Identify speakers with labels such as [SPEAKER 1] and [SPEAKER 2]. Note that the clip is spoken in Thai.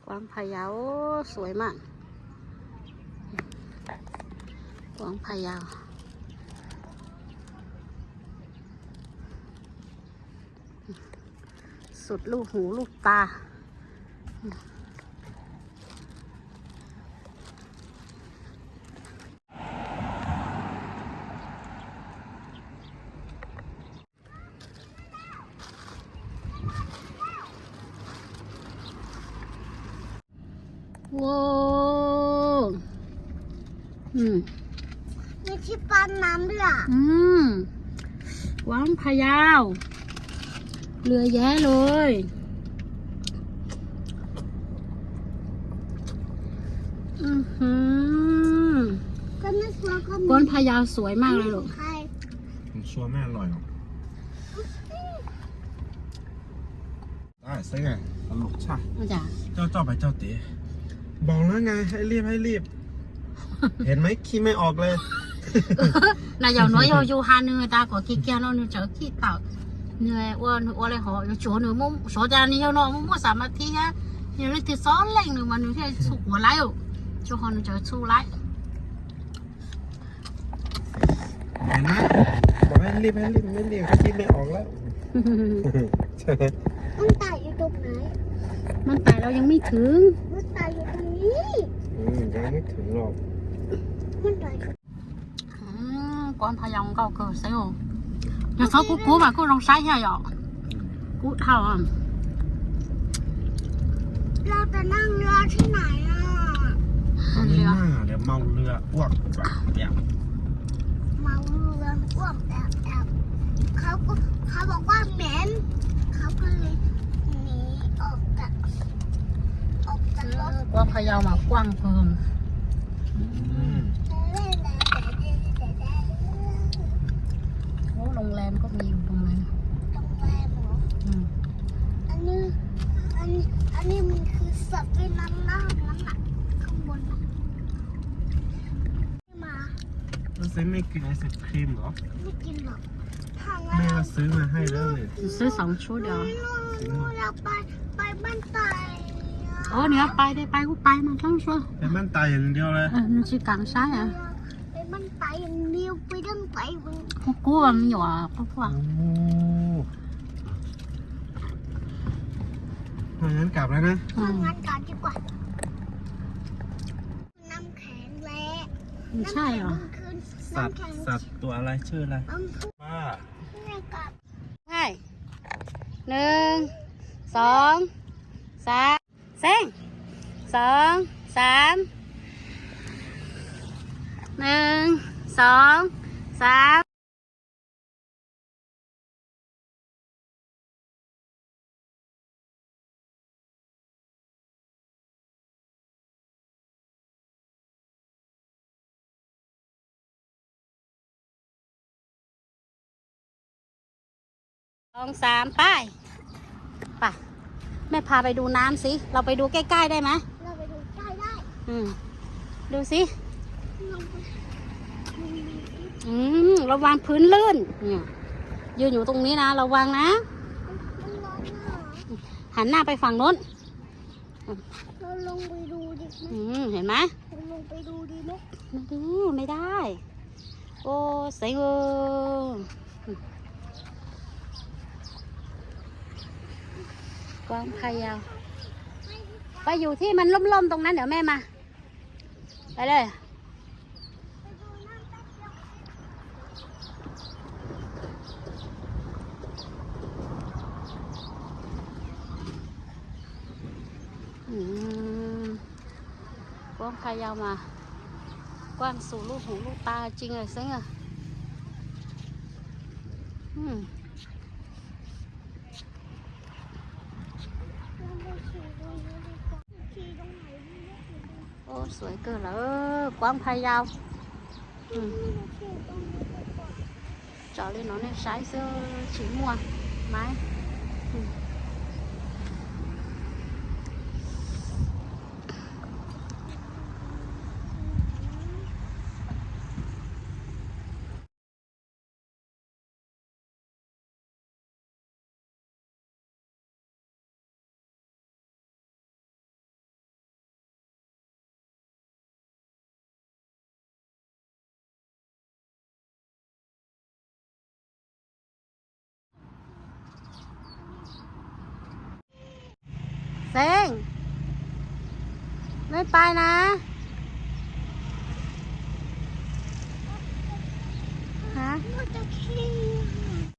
[SPEAKER 1] กวางพะเยาสวยมากกวางพะเยาสุดลูกหูลูกตาว้าว
[SPEAKER 2] มีที่ปั๊มน้ำด้วยอ่ะ
[SPEAKER 1] กวางพะเยาเรือแย้เลย
[SPEAKER 2] ก็ไม่ชัวร์ก็มี
[SPEAKER 1] กวางพะเยาสวยมากเลยลูก
[SPEAKER 2] ใคร
[SPEAKER 3] ผมชัวร์ไม่อร่อยหรอกได้ใช่ไงตลกใช่
[SPEAKER 1] มาจ้ะ
[SPEAKER 3] เจ้าไปเจ้าตีบอกแล้วไงให้รีบ เห็นไหมขี้ไม่ออกเลย
[SPEAKER 1] là giờ nói yêu hai người ta có kia kia nó nữa chở kia tạo người ô lại họ chỗ nữa muốn số ra đi nó muốn mua sản thi á nhiều lúc thì xó lên nữa mà nữa thì sụp của lái rồi cho họ nữa chở su lái
[SPEAKER 3] เห็นไหมบอกให้รีบไม่รีบขี้ไม่ออกแล้วใช่ไหม
[SPEAKER 2] มันตายอยู่ตรงไหน
[SPEAKER 1] มันแต่เรายังไม่ถึง
[SPEAKER 2] มันตายอยู่ตรงนี้
[SPEAKER 3] ยังไม่ถึงหรอก
[SPEAKER 2] มันตายอยู่
[SPEAKER 1] con phải dòng cầu cờ xíu nhà số cú mà cú rong sái hay vậy cú thầu à
[SPEAKER 2] เราจะนั่งเรือที่ไหนอ่ะ
[SPEAKER 3] ตอนนี้หน้าเดี๋ยวเมาเรืออ้วกแบบเดี๋ยว
[SPEAKER 2] เมาเรืออ้วกแอบเขาบอกว่าเหม็นเขาก็เลยหนีออกจากรถ
[SPEAKER 1] con phải dòng mà quăng phường โอ้โรงแรมก็มีอยู่ตรงนั้น
[SPEAKER 2] โรงแรมเหรออันนี้มันคือสัตว์เป็นน้ำหน้านั้นน่ะข้างบนน่ะมา
[SPEAKER 3] แล้วซื้อไม่กินไอศครีมเหรอ
[SPEAKER 2] ไม่กินหรอกทาง
[SPEAKER 3] แม่ก็ซื้อมาให้แล้วเลย
[SPEAKER 1] ซื้อ2 ชุดเดียว
[SPEAKER 2] เราไปบ้านไต่
[SPEAKER 1] โอ้เนี่ยไปได้ไปกูไปมาทั้งชัว
[SPEAKER 3] เป็นบ้านตายอย่างเดียวเลย
[SPEAKER 1] มันชื่อกลางซ้ายอ่ะ
[SPEAKER 2] ไปบ้านไต่อย่างเดียวไปดั้งไต่มัน
[SPEAKER 1] กูว่ามันอยู่อ่ะพวก
[SPEAKER 3] งั้นกลับแล้วนะ
[SPEAKER 2] ทำงานก่อนดีกว่าน้ำแข็งและ
[SPEAKER 1] ไม่ใช่เหรอ
[SPEAKER 3] สัตว์ตัวอะไรชื่ออะไรป้า
[SPEAKER 1] ใช่1 2 3เส้ง2 3 1 2 32 3ไปแม่พาไปดูน้ำสิเราไปดูใกล้ๆได้ไหม
[SPEAKER 2] เราไปดูใกล้ได้
[SPEAKER 1] ดูสิ
[SPEAKER 2] ลงไป
[SPEAKER 1] ระวังพื้นลื่นเนี่ยยืนอยู่ตรงนี้นะระวังนะ
[SPEAKER 2] มันร้อนมาก
[SPEAKER 1] หันหน้าไปฝั่งโน้น
[SPEAKER 2] เราลงไปดูดิ
[SPEAKER 1] เห็นไหม
[SPEAKER 2] เราลงไปดูดีไหม
[SPEAKER 1] ไม่ดูไม่ได้โอ้เซ็งกวางพะเยาไปอยู่ที่มันล่มๆตรงนั้นเดี๋ยวแม่มาไปเลยกวางพะเยามากว้างสู่ลูกหูลูกตาจริงเลยเซ็งอ่ะโอ้สวยเกินแล้วกวางพะเยาtrò lên nó nên sái sơ chỉ mua máy เซ้งไม่ไปนะ